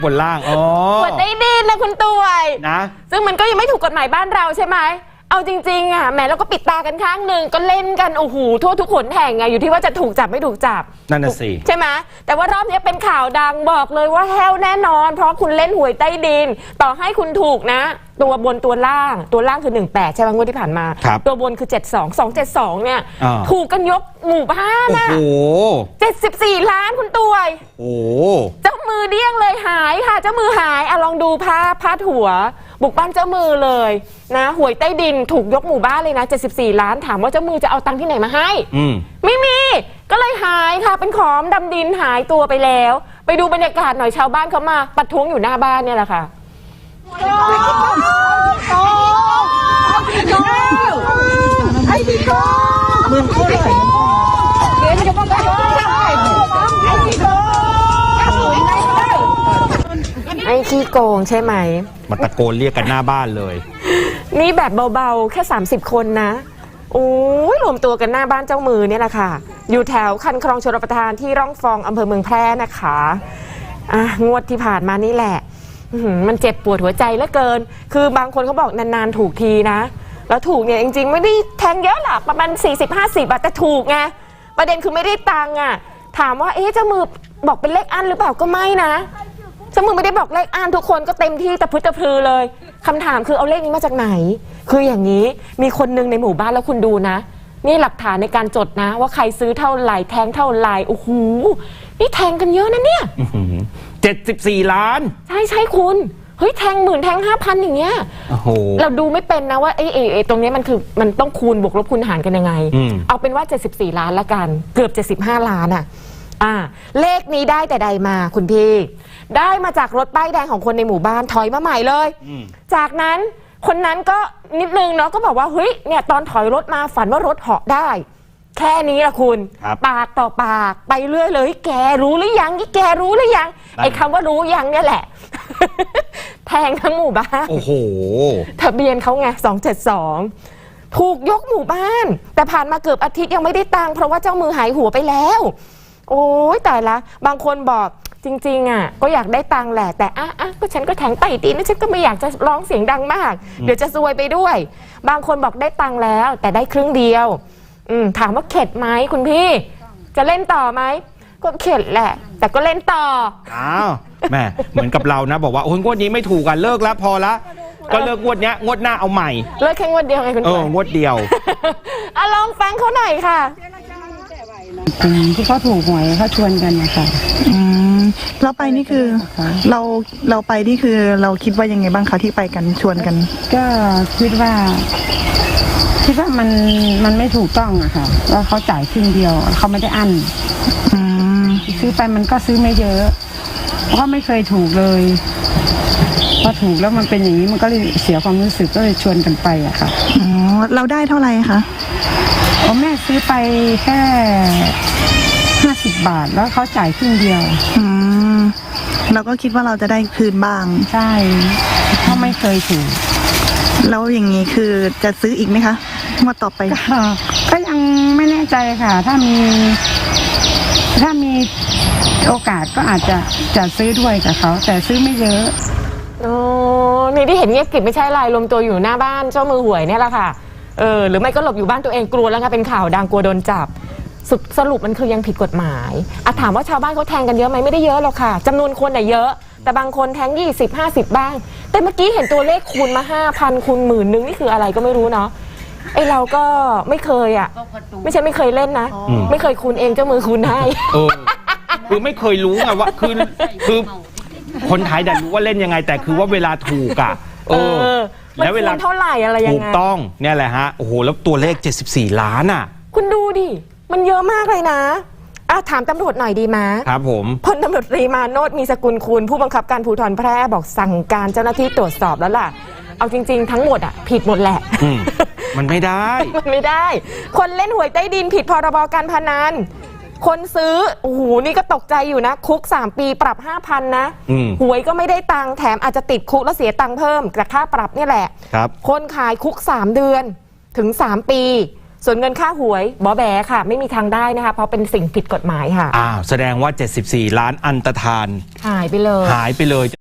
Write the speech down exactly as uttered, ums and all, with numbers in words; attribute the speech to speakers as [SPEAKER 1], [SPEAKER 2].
[SPEAKER 1] บนล่างอ๋อ
[SPEAKER 2] หวยใต้ดินนะคุณตวย
[SPEAKER 1] นะ
[SPEAKER 2] ซึ่งมันก็ยังไม่ถูกกฎหมายบ้านเราใช่ไหมเอาจริงๆอ่ะแหมเราก็ปิดตากันข้างหนึ่งก็เล่นกันโอ้โหทั่วทุกขนแห่งไงอยู่ที่ว่าจะถูกจับไม่ถูกจับ
[SPEAKER 1] นั่นน่ะสิ
[SPEAKER 2] ใช่ไหมแต่ว่ารอบนี้เป็นข่าวดังบอกเลยว่าแห้วแน่นอนเพราะคุณเล่นหวยใต้ดินต่อให้คุณถูกนะตัวบนตัวล่างตัวล่างคือหนึ่งแปดใช่ไหมงวดที่ผ่านมาตัวบนคือเจ็ดสองสองเจ็ดสองเนี่ยถูกกันยกหมู่บ้านอ่ะโอ้เจ็ดสิบสี่ล้านคุณตวย
[SPEAKER 1] โอ้
[SPEAKER 2] เจ้ามือเดี้ยงเลยหายค่ะเจ้ามือหายอ่ะลองดูภาพพาดหัวบุกบ้านเจ้ามือเลยนะหวยใต้ดินถูกยกหมู่บ้านเลยนะเจ็ดสิบสี่ล้านถามว่าเจ้ามือจะเอาตังค์ที่ไหนมาให้ไม่มีก็เลยหายค่ะเป็นของดำดินหายตัวไปแล้วไปดูบรรยากาศหน่อยชาวบ้านเขามาประท้วงอยู่หน้าบ้านเนี่ยแหละค่ะไอ้ขี้โกงใช่ไหม
[SPEAKER 1] มาตะโกนเรียกกันหน้าบ้านเลย
[SPEAKER 2] นี่แบบเบาๆแค่สามสิบคนนะโอ้ยรวมตัวกันหน้าบ้านเจ้ามือเนี่ยแหละค่ะอยู่แถวคันคลองชลประทานที่ร่องฟองอำเภอเมืองแพร่นะคะอ่ะงวดที่ผ่านมานี่แหละมันเจ็บปวดหัวใจเหลือเกินคือบางคนเขาบอกนานๆถูกทีนะแล้วถูกเนี่ยจริงๆไม่ได้แทงเยอะหรอกประมาณ สี่สิบห้าสิบ บาทแต่ถูกไงประเด็นคือไม่ได้ตังค์อ่ะถามว่าเอ๊ะเจ้ามือบอกเป็นเลขอันหรือเปล่าก็ไม่นะเจ้ามือไม่ได้บอกเลขอันทุกคนก็เต็มที่ตะพึดตะพือเลยคำถามคือเอาเลขนี้มาจากไหนคืออย่างนี้มีคนนึงในหมู่บ้านแล้วคุณดูนะนี่หลักฐานในการจดนะว่าใครซื้อเท่าไหร่แทงเท่าไหร่โอ้โหนี่แทงกันเยอะนะเนี่ย
[SPEAKER 1] เจ็ดสิบสี่ล้าน
[SPEAKER 2] ใช่ใช่คุณเฮ้ยแทงหมื่นแทงห้าพันอย่างเงี้ยเราดูไม่เป็นนะว่าไอ้ไอ้ตรงนี้มันคือมันต้องคูณบวกลบคูณหารกันยังไงเอาเป็นว่าเจ็ดสิบสี่ล้านละกันเกือบเจ็ดสิบห้าล้านอ่ะอ่าเลขนี้ได้แต่ใดมาคุณพี่ได้มาจากรถป้ายแดงของคนในหมู่บ้านถอยมาใหม่เลยจากนั้นคนนั้นก็นิดนึงเนาะก็บอกว่าเฮ้ยเนี่ยตอนถอยรถมาฝันว่ารถเหาะได้แค่นี้ละคุณปากต่อปากไปเรื่อยเลยแกรู้หรือยังนี่แกรู้หรือยังไอ้คำว่ารู้ยังเนี่ยแหละแทงทั้งหมู่บ้าน
[SPEAKER 1] โอ้โห
[SPEAKER 2] ทะเบียนเขาไงสองเจ็ดสองถูกยกหมู่บ้านแต่ผ่านมาเกือบอาทิตย์ยังไม่ได้ตังค์เพราะว่าเจ้ามือหายหัวไปแล้วโอ้ยแต่ละบางคนบอกจริงๆอ่ะก็อยากได้ตังค์แหละแต่อ่ะอ่ะก็ฉันก็แทงไต่ตีนฉันก็ไม่อยากจะร้องเสียงดังมากเดี๋ยวจะซวยไปด้วยบางคนบอกได้ตังค์แล้วแต่ได้ครึ่งเดียวอืมถามว่าเข็ดไหมคุณพี่จะเล่นต่อไหมก็เข็ดแหละแต่ก็เล่นต่อ
[SPEAKER 1] อ้าวแม่เหมือนกับเรานะบอกว่าโอ้ยงวดนี้ไม่ถูกกันเลิกแล้วพอละก็เลิกงวดเนี้ยงวดหน้าเอาใหม่
[SPEAKER 2] เลิกแค่งวดเดียวไงคุณ
[SPEAKER 1] เอองวดเดียว
[SPEAKER 2] อ่ะลองฟังเขาหน่อยค่ะ
[SPEAKER 3] ที่เขาถูกหวยเขาชวนกันนะคะ
[SPEAKER 4] อืมเราไปนี่คือเราเราไปนี่คือเราคิดว่ายังไงบ้างคะที่ไปกันชวนกัน
[SPEAKER 3] ก็คิดว่าคิดว่ามันมันไม่ถูกต้องอะค่ะว่าเขาจ่ายครึ่งเดียวเขาไม่ได้อั้นซื้อไปมันก็ซื้อไม่เยอะเพราะไม่เคยถูกเลยพอถูกแล้วมันเป็นอย่างนี้มันก็เลยเสียความรู้สึกก็เลยชวนกันไปอะค่ะ
[SPEAKER 4] อ๋อเราได้เท่าไหร่คะ
[SPEAKER 3] อ๋อแม่ซื้อไปแค่ห้าสิบบาทแล้วเขาจ่ายครึ่งเดียว
[SPEAKER 4] อืมเราก็คิดว่าเราจะได้คืนบ้าง
[SPEAKER 3] ใช่เขาไม่เคยถูก
[SPEAKER 4] แล้วอย่างนี้คือจะซื้ออีกไหมคะงวดต่อไป
[SPEAKER 3] ก็ยังไม่แน่ใจค่ะถ้ามีถ้ามีโอกาสก็อาจจะจะซื้อด้วยกับเขาแต่ซื้อไม่เยอะ
[SPEAKER 2] โอ้นี่ที่เห็นเงียบกริบไม่ใช่ไรรวมตัวอยู่หน้าบ้านเจ้ามือหวยเนี่ยแหละค่ะเออหรือไม่ก็หลบอยู่บ้านตัวเองกลัวแล้วค่ะเป็นข่าวดังกลัวโดนจับสรุปมันคือยังผิดกฎหมายอะถามว่าชาวบ้านเขาแทงกันเยอะไหมไม่ได้เยอะหรอกค่ะจำนวนคนน่ะเยอะแต่บางคนแทงยี่สิบห้าสิบบ้างแต่เมื่อกี้เห็นตัวเลขคูณมาห้าพันคูณหมื่นนึงนี่คืออะไรก็ไม่รู้เนาะไอเราก็ไม่เคยอ่ะไม่ใช่ไม่เคยเล่นนะไม่เคยคูณเองเจ้ามือคูณให้
[SPEAKER 1] คือไม่เคยรู้ไงว่าคือคือคนไทยแต่รู้ว่าเล่นยังไงแต่คือว่าเวลาถูกอ่ะเออ
[SPEAKER 2] แล้วเวลาเท่าไหร่อะไรยังไง
[SPEAKER 1] ถูกต้องเนี่ยแหละฮะโอ้โหแล้วตัวเลขเจ็ดสิบสี่ล้านอ่ะ
[SPEAKER 2] คุณดูดิมันเยอะมากเลยนะอ่ะถามตำรวจหน่อยดีมั้ย
[SPEAKER 1] ครับผม
[SPEAKER 2] พลตำรวจตรีมาโนชมีสกุลคุณผู้บังคับการภูธรแพร่บอกสั่งการเจ้าหน้าที่ตรวจสอบแล้วล่ะเอาจริงๆทั้งหมดอ่ะผิดหมดแหละ
[SPEAKER 1] มันไม่ได้
[SPEAKER 2] มันไม่ได้คนเล่นหวยใต้ดินผิดพรบการพนันคนซื้อโอ้โหนี่ก็ตกใจอยู่นะคุกสามปีปรับ ห้าพัน นะหวยก็ไม่ได้ตังค์แถมอาจจะติดคุกแล้วเสียตังค์เพิ่มจากค่าปรับนี่แหละ
[SPEAKER 1] ครับ
[SPEAKER 2] คนขายคุกสามเดือนถึงสามปีส่วนเงินค่าหวยบอแบค่ะ ไม่มีทางได้นะคะ เพราะเป็นสิ่งผิดกฎหมายค่ะ
[SPEAKER 1] อ้าวแสดงว่าเจ็ดสิบสี่ล้านอันตรธาน
[SPEAKER 2] หายไปเลย
[SPEAKER 1] หายไปเลย